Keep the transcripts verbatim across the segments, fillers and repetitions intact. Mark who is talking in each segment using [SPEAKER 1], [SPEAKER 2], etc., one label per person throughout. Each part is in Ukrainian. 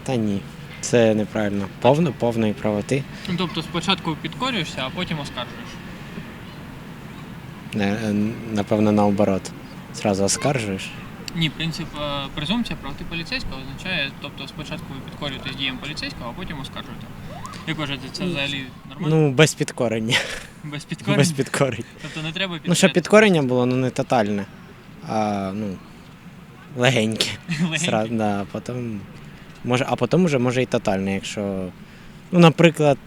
[SPEAKER 1] Та ні, це неправильно. Повно, повної правоти.
[SPEAKER 2] Ну, тобто спочатку підкорюєшся, а потім оскаржуєш.
[SPEAKER 1] Не, напевно, наоборот. Зразу оскаржуєш.
[SPEAKER 2] Ні, принцип е, презумпція правоти поліцейського означає, тобто спочатку ви підкорюєтесь діям поліцейського, а потім оскаржуєте. Як вважаєте, це взагалі нормально?
[SPEAKER 1] Ну, без підкорення.
[SPEAKER 2] Без підкорення?
[SPEAKER 1] Без підкорення.
[SPEAKER 2] Тобто не треба
[SPEAKER 1] Ну, щоб
[SPEAKER 2] підкоряти?
[SPEAKER 1] підкорення було, ну не тотальне, а ну, легеньке.
[SPEAKER 2] Легеньке?
[SPEAKER 1] Сра- да, потім, може, а потім вже може і тотальне, якщо, ну, наприклад,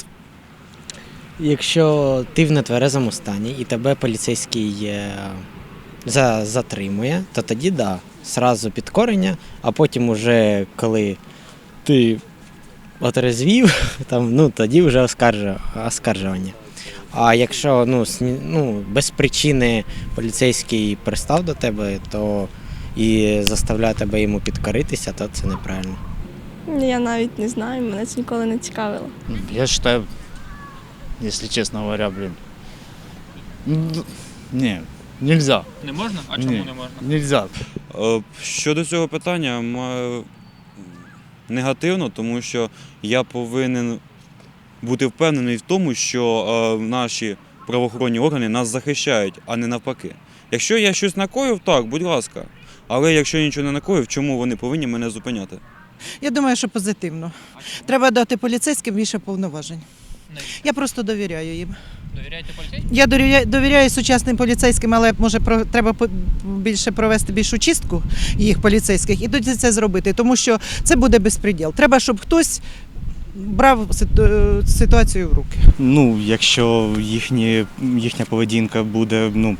[SPEAKER 1] якщо ти в нетверезому стані і тебе поліцейський е, за, затримує, то тоді да, зразу підкорення, а потім уже коли ти отрезвів, там, ну, тоді вже оскаржу- оскаржування. А якщо ну, сні- ну, без причини поліцейський пристав до тебе, то і заставляє тебе йому підкоритися, то це неправильно.
[SPEAKER 3] Я навіть не знаю, мене це ніколи не цікавило.
[SPEAKER 4] Я считаю, если честно говоря, блин, ну, не, нельзя.
[SPEAKER 2] Не можна? А чому
[SPEAKER 4] Ні,
[SPEAKER 2] не можна?
[SPEAKER 4] Нельзя.
[SPEAKER 5] Е, Щодо цього питання, маю негативно, тому що я повинен бути впевнений в тому, що е, наші правоохоронні органи нас захищають, а не навпаки. Якщо я щось накоїв, так, будь ласка. Але якщо я нічого не накоїв, чому вони повинні мене зупиняти?
[SPEAKER 6] Я думаю, що позитивно. Треба дати поліцейським більше повноважень.
[SPEAKER 2] Навіщо?
[SPEAKER 6] Я просто довіряю їм.
[SPEAKER 2] Довіряєте поліцейським?
[SPEAKER 6] Я довіряю, довіряю сучасним поліцейським, але може про, треба по- більше провести більшу чистку їх поліцейських і тоді це зробити, тому що це буде безпреділ. Треба, щоб хтось брав ситу- ситуацію в руки.
[SPEAKER 7] Ну, якщо їхні, їхня поведінка буде ну,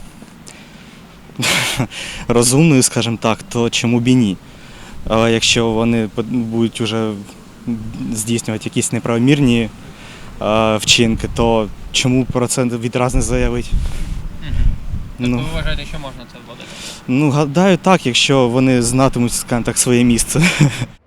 [SPEAKER 7] розумною, скажімо так, то чому б і ні? Але якщо вони по- будуть уже здійснювати якісь неправомірні е, вчинки, то чому про це відразу не заявити?
[SPEAKER 2] Угу. Тобто
[SPEAKER 7] Ну.
[SPEAKER 2] ви вважаєте, що можна це вводити?
[SPEAKER 7] Ну, гадаю, так, якщо вони знатимуть, скажімо так, своє місце.